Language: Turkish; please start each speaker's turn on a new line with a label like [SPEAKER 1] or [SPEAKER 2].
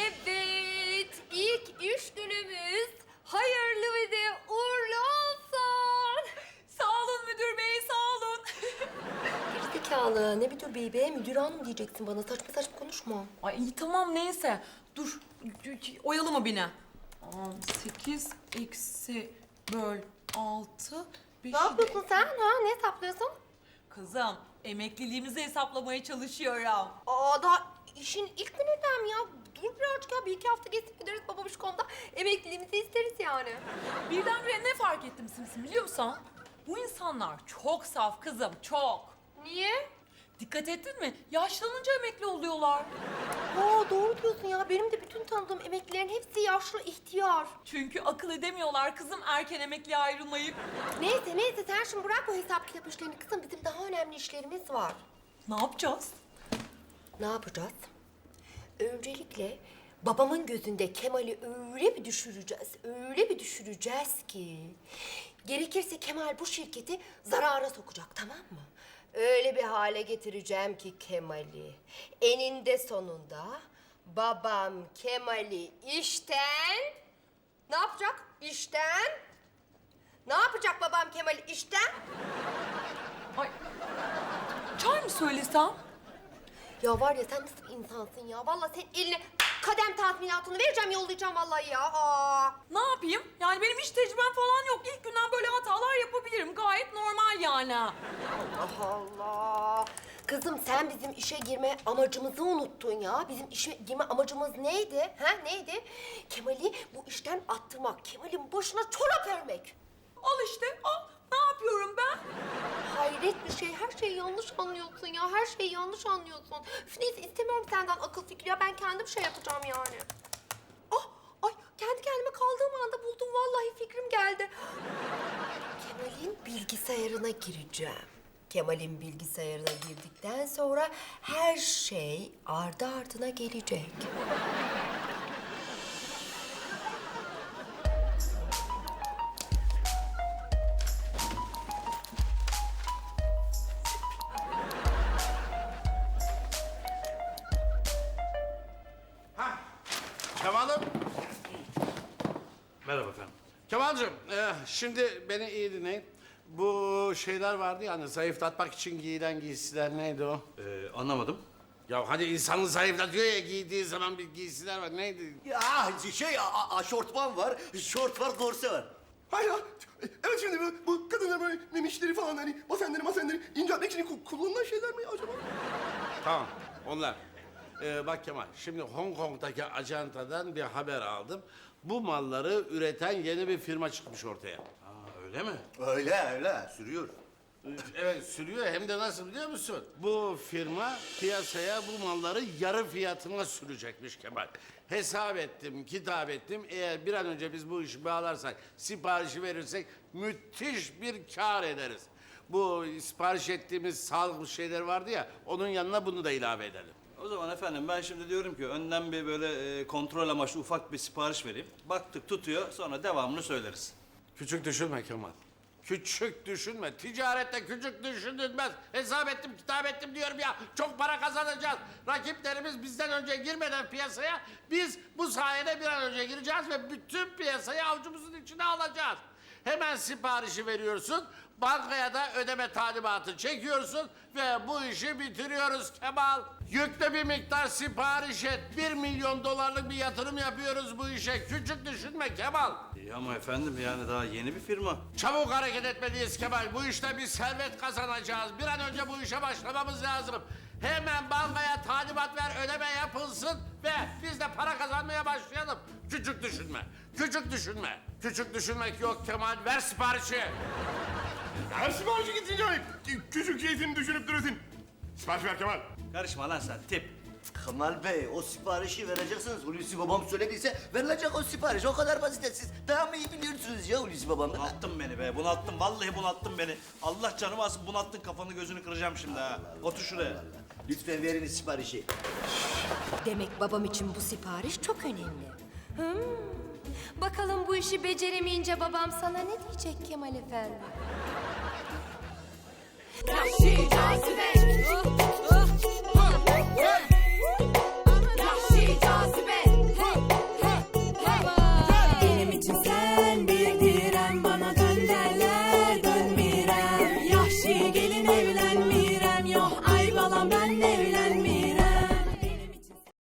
[SPEAKER 1] Evet, ilk iş günümüz hayırlı ve de uğurlu olsun.
[SPEAKER 2] Sağ olun müdür bey, sağ olun.
[SPEAKER 1] Gerizekalı, ne müdür bey be? Müdür hanım diyeceksin bana. Saçma saçma konuşma.
[SPEAKER 2] Ay iyi tamam neyse. Dur, oyalama beni. 8 eksi böl 6.
[SPEAKER 1] Ne yapıyorsun sen? Ha? Ne hesaplıyorsun?
[SPEAKER 2] Kızım, emekliliğimizi hesaplamaya çalışıyorum.
[SPEAKER 1] Aa, daha işin ilk gününden mi ya? Dur birazcık ya. Bir iki hafta geçip gideriz babamış konuda. Emekliliğimizi isteriz yani.
[SPEAKER 2] Birdenbire ne fark ettim Simsim biliyor musun? Bu insanlar çok saf kızım, çok.
[SPEAKER 1] Niye?
[SPEAKER 2] Dikkat ettin mi? Yaşlanınca emekli oluyorlar.
[SPEAKER 1] Aa, doğru diyorsun ya. Benim de bütün tanıdığım emeklilerin hepsi yaşlı, ihtiyar.
[SPEAKER 2] Çünkü akıl edemiyorlar kızım erken emekliye ayrılmayı.
[SPEAKER 1] Neyse sen şimdi bırak o hesap kitap işlerini kızım. Bizim daha önemli işlerimiz var.
[SPEAKER 2] Ne yapacağız?
[SPEAKER 1] Ne yapacağız? Öncelikle babamın gözünde Kemal'i öyle bir düşüreceğiz ki... Gerekirse Kemal bu şirketi zarara sokacak, tamam mı? Öyle bir hale getireceğim ki Kemal'i. Eninde sonunda babam Kemal'i işten... Ne yapacak? İşten... Ne yapacak babam Kemal'i işten?
[SPEAKER 2] Ay, çay mı söylesem?
[SPEAKER 1] Ya var ya sen nasıl bir insansın ya? Vallahi senin eline kadem tazminatını vereceğim, yollayacağım vallahi ya. Aa.
[SPEAKER 2] Ne yapayım? Yani benim hiç tecrübem falan yok. İlk günden böyle hatalar yapabilirim. Gayet normal yani.
[SPEAKER 1] Allah Allah. Kızım sen bizim işe girme amacımızı unuttun ya. Bizim işe girme amacımız neydi? Ha neydi? Kemal'i bu işten attırmak. Kemal'in başına çorap örmek.
[SPEAKER 2] Al işte, al. Ne yapıyorum ben?
[SPEAKER 1] Hayret bir şey. Her şeyi yanlış anlıyorsun ya. Her şeyi yanlış anlıyorsun. Üf, neyse istemiyorum senden akıl fikri ya. Ben kendim şey yapacağım yani. Ah, ay kendi kendime kaldığım anda buldum. Vallahi fikrim geldi. Kemal'in bilgisayarına gireceğim. Kemal'in bilgisayarına girdikten sonra her şey ardı ardına gelecek.
[SPEAKER 3] Kemal'im.
[SPEAKER 4] Merhaba efendim.
[SPEAKER 3] Kemal'cığım, şimdi beni iyi dinleyin. Bu şeyler vardı ya hani zayıflatmak için giyilen giysiler neydi o?
[SPEAKER 4] Anlamadım.
[SPEAKER 3] Ya hani insanı zayıflatıyor ya giydiği zaman bir giysiler var neydi?
[SPEAKER 5] Ya aşortman var, şort var, korse var.
[SPEAKER 6] Hayır ya. Evet şimdi bu kadınlar böyle memişleri falan hani basenleri inceltmek için kullanılan şeyler mi acaba?
[SPEAKER 3] Tamam onlar. Bak Kemal şimdi Hong Kong'daki ajantadan bir haber aldım. Bu malları üreten yeni bir firma çıkmış ortaya.
[SPEAKER 4] Öyle mi?
[SPEAKER 5] Öyle sürüyor.
[SPEAKER 3] Evet sürüyor hem de nasıl biliyor musun? Bu firma piyasaya bu malları yarı fiyatına sürecekmiş Kemal. Hesap ettim, kitap ettim. Eğer bir an önce biz bu işi bağlarsak, siparişi verirsek müthiş bir kar ederiz. Bu sipariş ettiğimiz sağlıklı şeyler vardı ya, onun yanına bunu da ilave edelim.
[SPEAKER 4] O zaman efendim ben şimdi diyorum ki önden bir böyle kontrol amaçlı ufak bir sipariş vereyim. Baktık tutuyor sonra devamını söyleriz.
[SPEAKER 3] Küçük düşünme Kemal. Küçük düşünme. Ticarette küçük düşünülmez. Hesap ettim, kitap ettim diyorum ya. Çok para kazanacağız. Rakiplerimiz bizden önce girmeden piyasaya biz bu sayede bir an önce gireceğiz ve bütün piyasayı avucumuzun içine alacağız. Hemen siparişi veriyorsun. Bankaya da ödeme talimatı çekiyorsun ve bu işi bitiriyoruz Kemal. Yüklü bir miktar sipariş et. 1 milyon dolarlık bir yatırım yapıyoruz bu işe. Küçük düşünme Kemal.
[SPEAKER 4] İyi ama efendim yani daha yeni bir firma.
[SPEAKER 3] Çabuk hareket etmeliyiz Kemal. Bu işte bir servet kazanacağız. Bir an önce bu işe başlamamız lazım. Hemen bankaya talimat ver, ödeme yapılsın ve biz de para kazanmaya başlayalım. Küçük düşünme, küçük düşünme. Küçük düşünmek yok Kemal. Ver siparişi.
[SPEAKER 6] Her siparişi gitsin canım. Küçük şeysini düşünüp duruyorsun. Sipariş ver Kemal.
[SPEAKER 4] Karışma lan sen tip.
[SPEAKER 5] Kemal Bey o siparişi vereceksiniz. Hulusi babam söylediyse verilecek o sipariş. O kadar basit. Siz daha mı iyi biliyorsunuz ya Hulusi babamdan?
[SPEAKER 4] Bunalttın beni be bunalttın vallahi bunalttın beni. Allah canımı alsın bunalttın kafanı gözünü kıracağım şimdi ha. Otur şuraya.
[SPEAKER 5] Lütfen verin siparişi.
[SPEAKER 1] Demek babam için bu sipariş çok önemli. Bakalım bu işi beceremeyince babam sana ne diyecek Kemal Efendi?
[SPEAKER 7] Vahşi cazibe